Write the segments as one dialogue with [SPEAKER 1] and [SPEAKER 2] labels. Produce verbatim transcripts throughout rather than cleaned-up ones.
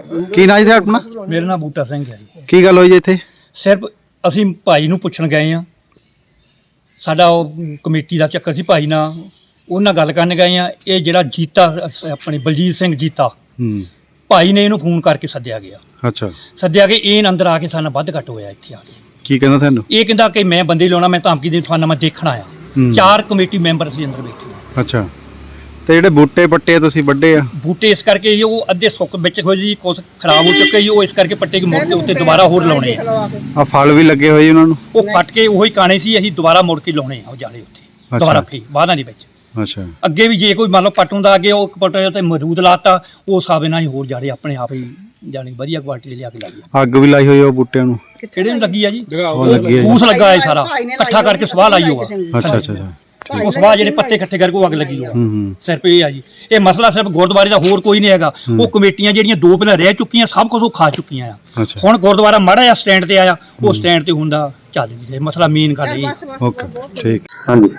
[SPEAKER 1] ਕੀ ਨਾਂ ਜੀ ਆਪਣਾ?
[SPEAKER 2] मेरा नाम बूटा सिंह है जी।
[SPEAKER 1] ਕੀ ਗੱਲ ਹੋਈ ਜੀ ਇੱਥੇ?
[SPEAKER 2] सिर्फ ਅਸੀਂ ਭਾਈ ਨੂੰ ਪੁੱਛਣ ਗਏ ਆ, ਸਾਡਾ ਉਹ ਕਮੇਟੀ ਦਾ ਚੱਕਰ ਸੀ, ਭਾਈ ਨਾਲ ਉਹਨਾਂ ਗੱਲ ਕਰਨ ਗਏ ਆ। ਇਹ ਜਿਹੜਾ ਜੀਤਾ ਆਪਣੇ ਬਲਜੀਤ ਸਿੰਘ ਜੀਤਾ
[SPEAKER 1] ਹੂੰ
[SPEAKER 2] ਭਾਈ ਨੇ ਇਹਨੂੰ ਫੋਨ ਕਰਕੇ ਸੱਦਿਆ ਗਿਆ।
[SPEAKER 1] ਅੱਛਾ,
[SPEAKER 2] ਸੱਦਿਆ ਕਿ ਇਹ ਅੰਦਰ ਆ ਕੇ ਸਾਨੂੰ ਵੱਧ ਘੱਟ ਹੋਇਆ ਇੱਥੇ ਆ ਕੇ।
[SPEAKER 1] ਕੀ ਕਹਿੰਦਾ ਤੁਹਾਨੂੰ?
[SPEAKER 2] ਇਹ ਕਹਿੰਦਾ ਕਿ ਮੈਂ ਬੰਦੇ ਲਾਉਣਾ, ਮੈਂ ਧਮਕੀ ਦੇ ਤੁਹਾਨੂੰ ਮੈਂ ਦੇਖਣਾ ਆ।
[SPEAKER 1] ਹੂੰ।
[SPEAKER 2] ਚਾਰ ਕਮੇਟੀ ਮੈਂਬਰ ਸੀ ਅੰਦਰ ਬੈਠੇ।
[SPEAKER 1] ਅੱਛਾ, ਤੇ ਜਿਹੜੇ ਬੂਟੇ ਪੱਟੇ ਤੁਸੀਂ ਵੱਡੇ ਆ?
[SPEAKER 2] ਬੂਟੇ ਇਸ ਕਰਕੇ ਜੀ ਉਹ ਅੱਧੇ ਸੁੱਕ ਵਿੱਚ ਹੋਏ ਜੀ, ਕੁਛ ਖਰਾਬ ਹੋ ਚੁੱਕੇ ਜੀ, ਉਹ ਇਸ ਕਰਕੇ ਪੱਟੇ ਕੇ ਮੁੜ ਕੇ ਉੱਤੇ ਦੁਬਾਰਾ ਹੋਰ ਲਾਉਣੇ ਆ।
[SPEAKER 1] ਆ ਫਲ ਵੀ ਲੱਗੇ ਹੋਏ ਉਹਨਾਂ ਨੂੰ?
[SPEAKER 2] ਉਹ ਕੱਟ ਕੇ ਉਹੀ ਕਾਣੇ ਸੀ, ਅਸੀਂ ਦੁਬਾਰਾ ਮੁੜ ਕੇ ਲਾਉਣੇ ਆ ਉਹ ਜਾਲੇ ਉੱਤੇ ਦੁਬਾਰਾ ਫੇ ਬਾਦਾਂ ਦੇ ਵਿੱਚ।
[SPEAKER 1] ਅੱਛਾ,
[SPEAKER 2] ਅੱਗੇ ਵੀ ਜੇ ਕੋਈ ਮੰਨ ਲਓ ਪੱਟੋਂ ਦਾ ਅੱਗੇ ਉਹ ਪੱਟੇ ਤੇ ਮਰੂਦ ਲਾਤਾ, ਉਹ ਸਾਬੇ ਨਾਲ ਹੀ ਹੋਰ ਜਾੜੇ ਆਪਣੇ ਆਪ ਹੀ ਜਾਣੀ ਵਧੀਆ ਕੁਆਲਿਟੀ ਦੇ ਲਿਆ ਕੇ ਲਾਈ।
[SPEAKER 1] ਅੱਗ ਵੀ ਲਾਈ ਹੋਈ ਉਹ ਬੂਟਿਆਂ ਨੂੰ?
[SPEAKER 2] ਕਿਹੜੇ ਨੂੰ ਲੱਗੀ ਆ ਜੀ?
[SPEAKER 1] ਉਹ ਲੱਗੀ ਹੈ ਜੀ।
[SPEAKER 2] ਫੂਸ ਲੱਗਾ ਹੈ ਸਾਰਾ ਇਕੱਠਾ ਕਰਕੇ ਸਵਾਹ ਲਾਈ ਹੋਆ।
[SPEAKER 1] ਅੱਛਾ ਅੱਛਾ ਅੱਛਾ,
[SPEAKER 2] ਉਹ ਸਵਾਹ ਜਿਹੜੇ ਪੱਤੇ ਇਕੱਠੇ ਕਰਕੇ ਉਹ ਅੱਗ ਲੱਗੀ ਹੋਆ।
[SPEAKER 1] ਹੂੰ ਹੂੰ,
[SPEAKER 2] ਸਿਰਫ ਇਹ ਆ ਜੀ, ਇਹ ਮਸਲਾ ਸਿਰਫ ਗੁਰਦੁਆਰੇ ਦਾ, ਹੋਰ ਕੋਈ ਨਹੀਂ ਹੈਗਾ। ਉਹ ਕਮੇਟੀਆਂ ਜਿਹੜੀਆਂ ਦੋ ਪਹਿਲਾਂ ਰਹਿ ਚੁੱਕੀਆਂ, ਸਭ ਕੁਝ ਉਹ ਖਾ ਚੁੱਕੀਆਂ ਆ।
[SPEAKER 1] ਅੱਛਾ,
[SPEAKER 2] ਹੁਣ ਗੁਰਦੁਆਰਾ ਮਾੜਾ ਜਿਹਾ ਸਟੈਂਡ ਤੇ ਆਇਆ, ਉਹ ਸਟੈਂਡ ਤੇ ਹੁੰਦਾ ਚੱਲ ਵੀ ਰਿਹਾ ਮਸਲਾ ਮੇਨ ਕਰ ਰਹੀ।
[SPEAKER 1] ਓਕੇ ਠੀਕ। ਹਾਂਜੀ,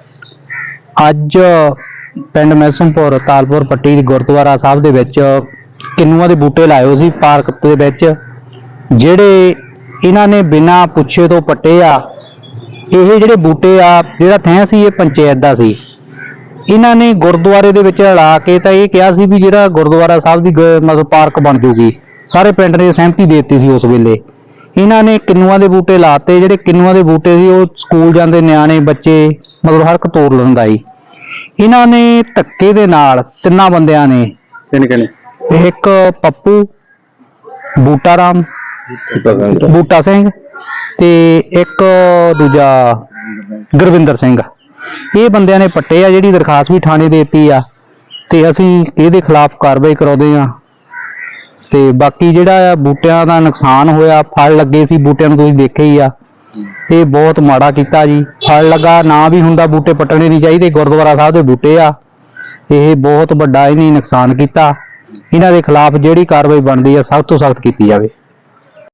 [SPEAKER 3] ਅੱਜ ਪਿੰਡ ਮੈਸਮਪੁਰ ਤਾਲਪੁਰ ਪੱਟੀ ਦੀ ਗੁਰਦੁਆਰਾ ਸਾਹਿਬ ਦੇ ਵਿੱਚ ਕਿੰਨੂਆਂ ਦੇ ਬੂਟੇ ਲਾਏ ਹੋਏ ਸੀ ਪਾਰਕ ਦੇ ਵਿੱਚ, ਜਿਹੜੇ ਇਹਨਾਂ ਨੇ ਬਿਨਾਂ ਪੁੱਛੇ ਤੋਂ ਪੱਟੇ ਆ। ਇਹ ਜਿਹੜੇ ਬੂਟੇ ਆ, ਜਿਹੜਾ ਥੈਂ ਸੀ ਇਹ ਪੰਚਾਇਤ ਦਾ ਸੀ। ਇਹਨਾਂ ਨੇ ਗੁਰਦੁਆਰੇ ਦੇ ਵਿੱਚ ਲਾ ਕੇ ਤਾਂ ਇਹ ਕਿਹਾ ਸੀ ਵੀ ਜਿਹੜਾ ਗੁਰਦੁਆਰਾ ਸਾਹਿਬ ਦੀ ਮਤਲਬ ਪਾਰਕ ਬਣ ਜੂਗੀ, ਸਾਰੇ ਪਿੰਡ ਨੇ ਸਹਿਮਤੀ ਦੇ ਦਿੱਤੀ ਸੀ ਉਸ ਵੇਲੇ। ਇਹਨਾਂ ਨੇ ਕਿੰਨੂਆਂ ਦੇ ਬੂਟੇ ਲਾਤੇ, ਜਿਹੜੇ ਕਿੰਨੂਆਂ ਦੇ ਬੂਟੇ ਸੀ ਉਹ ਸਕੂਲ ਜਾਂਦੇ ਨਿਆਣੇ ਬੱਚੇ ਮਤਲਬ ਹਰ ਇੱਕ ਤੋੜ ਲੈਂਦਾ ਸੀ। ਇਹਨਾਂ ਨੇ ਧੱਕੇ ਦੇ ਨਾਲ ਤਿੰਨਾਂ ਬੰਦਿਆਂ ਨੇ,
[SPEAKER 1] ਕਿੰਨੇ ਕਿੰਨੇ?
[SPEAKER 3] ਇੱਕ ਪੱਪੂ, ਬੂਟਾ ਰਾਮ, ਬੂਟਾ ਸਿੰਘ ਤੇ ਇੱਕ ਦੂਜਾ ਗੁਰਵਿੰਦਰ ਸਿੰਘ, ਇਹ ਬੰਦਿਆਂ ਨੇ ਪੱਟੇ ਆ। ਜਿਹੜੀ ਦਰਖਾਸਤ ਵੀ ਥਾਣੇ ਦੇ ਦਿੱਤੀ ਆ ਤੇ ਅਸੀਂ ਇਹਦੇ ਖਿਲਾਫ ਕਾਰਵਾਈ ਕਰਾਉਂਦੇ ਆ। ਤੇ ਬਾਕੀ ਜਿਹੜਾ ਆ ਬੂਟਿਆਂ ਦਾ ਨੁਕਸਾਨ ਹੋਇਆ, ਫਲ ਲੱਗੇ ਸੀ ਬੂਟਿਆਂ ਨੂੰ ਤੁਸੀਂ ਦੇਖਿਆ ਹੀ ਆ, ਇਹ ਬਹੁਤ ਮਾੜਾ ਕੀਤਾ ਜੀ। ਫਲ ਲੱਗਾ ਨਾ ਵੀ ਹੁੰਦਾ, ਬੂਟੇ ਪੱਟਣੇ ਨਹੀਂ ਚਾਹੀਦੇ, ਗੁਰਦੁਆਰਾ ਸਾਹਿਬ ਦੇ ਬੂਟੇ ਆ। ਇਹ ਬਹੁਤ ਵੱਡਾ ਇਹਨੇ ਨੁਕਸਾਨ ਕੀਤਾ। ਇਹਨਾਂ ਦੇ ਖਿਲਾਫ ਜਿਹੜੀ ਕਾਰਵਾਈ ਬਣਦੀ ਆ ਸਖਤ ਤੋਂ ਸਖਤ ਕੀਤੀ ਜਾਵੇ।